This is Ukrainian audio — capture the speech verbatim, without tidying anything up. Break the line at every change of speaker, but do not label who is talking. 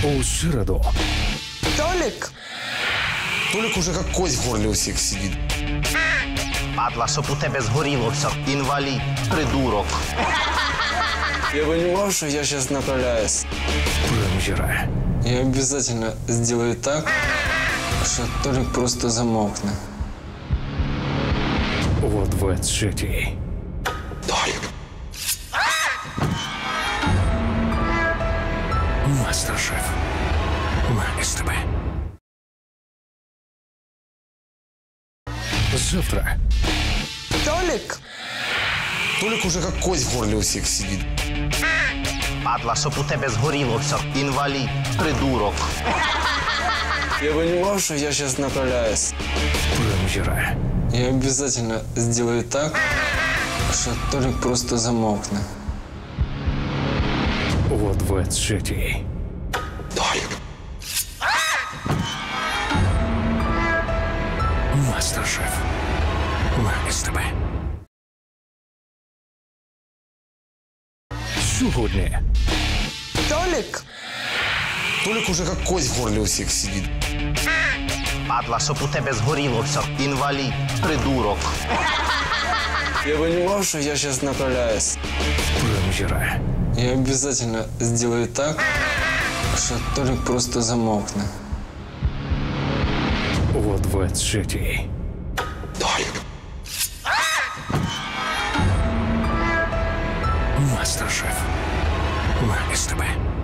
У середу.
Толик!
Толик уже как кость в горле у всех сидит.
Падла, щоб у тебе згоріло все. Інвалід, придурок.
Я понимал, что я сейчас направляюсь.
Прем'єра.
Я обязательно сделаю так, что Толик просто замолкнет.
О двадцятій.
Толик.
Мастер-шеф. На СТБ. Завтра.
Толик!
Толик уже как кость в горле у всех сидит.
Падла, щоб у тебе згоріло все. Інвалід, придурок.
Я понимал, что я сейчас направляюсь.
Прем'єра.
Я обязательно сделаю так, что Толик просто замолкнет.
О двадцятій.
Толик.
Мастер-шеф. На СТБ. Сьогодні.
Толик!
Толик уже как кость в горле у всех сидит.
Падла, щоб у тебе згоріло все. Інвалід, придурок.
Я понимал, что я сейчас направляюсь.
Прем'єра.
Я обязательно сделаю так, что Толик просто замолкнет.
О двадцятій.
Толик.
Мастер-шеф. На СТБ.